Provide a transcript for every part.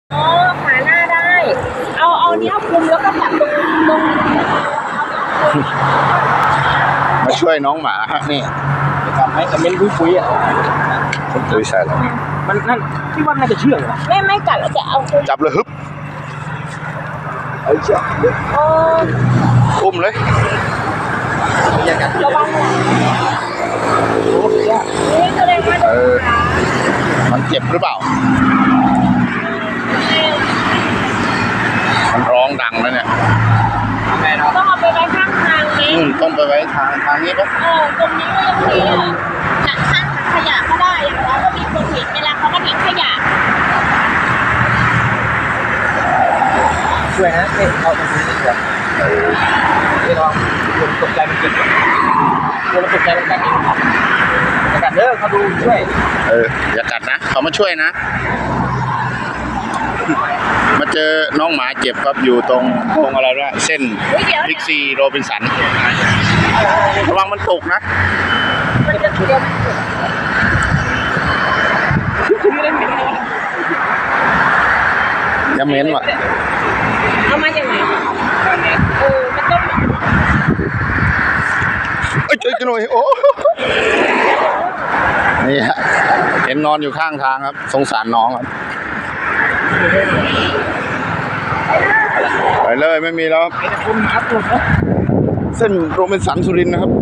อ๋อขาหน้าได้เอาเนี้ยคลุมแล้วก็แบบตรงมาช่วยน้องหมาฮะนี่ทำให้คอมเมนต์คุยๆอ่ะคุณตุ้ยใส่แล้วมันนั่นที่ว่าน่าจะเชื่องว่ะไม่กัดแล้วจะเอาคลุมจับเลยฮึบเอาเชือกโอ้อุ้มเลยระวังนะนี่แสดงว่าโดนขามันเจ็บหรือเปล่า มันร้องดังแล้วเนี่ยแม่เนาะต้องเอาไปไว้ข้างทางไหมต้องไปไว้ทางนี้ปะตรงนี้ก็ยังมีหนักข้างขยะก็ได้อย่างน้อยก็มีคนเห็นเวลาเขามาทิ้งขยะช่วยนะเอ๊ะเอาตรงนี้ดีกว่านี่ลองตกใจมันเจ็บตัวมันตกใจมันกัดอีกมันกัดเด้อเขาดูช่วยอย่ากัดนะเขามาช่วยนะ มาเจอน้องหมาเจ็บครับอยู่ตรงอะไรวะเส้นพิกซีโรบินสันระวังมันตกนะมันจะเดี๋ยวอย่าเม้นว่ะเอามาจากไหนมันต้องเอ้ยช่วยกันหน่อยโอ้นี่ฮะเห็นนอนอยู่ข้างทางครับสงสารน้องครับไปเลยไม่มีแล้วครับไอ้คุณครับหลุดนะเส้นโรบินสันสุรินทร์นะครับ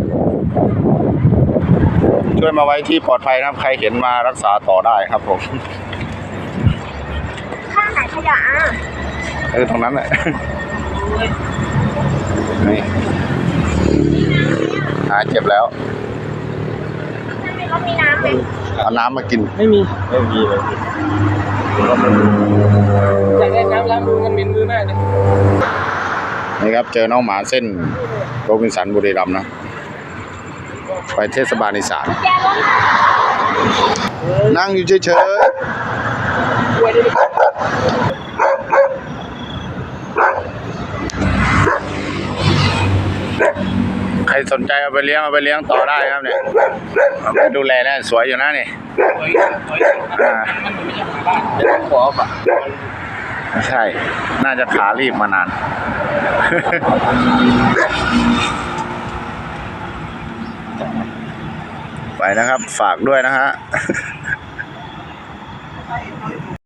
ช่วยมาไว้ที่ปลอดภัยนะครับ ใครเห็นมารักษาต่อได้ครับผมข้างไหนขยะตรงนั้นแหละ นี่หายเจ็บแล้วเขามีน้ำไหมเอาน้ำมากินไม่มีเลยอยากได้น้ำล้างมือมันเหม็นมือมากเลยนี่ครับเจอน้องหมาเส้นโรบินสันบุรีรัมย์นะ ไปเทศบาลอีสานแกรถนั่งอยู่เฉยช่วยได้ไหมๆ ใครสนใจเอาไปเลี้ยงต่อได้ครับเนี่ยเอาไปดูแลนะสวยอยู่นะนี่อ่าเดี๋ยวขอป่ะไม่ใช่ น่าจะขารีบมานาน ไปนะครับ ฝากด้วยนะฮะ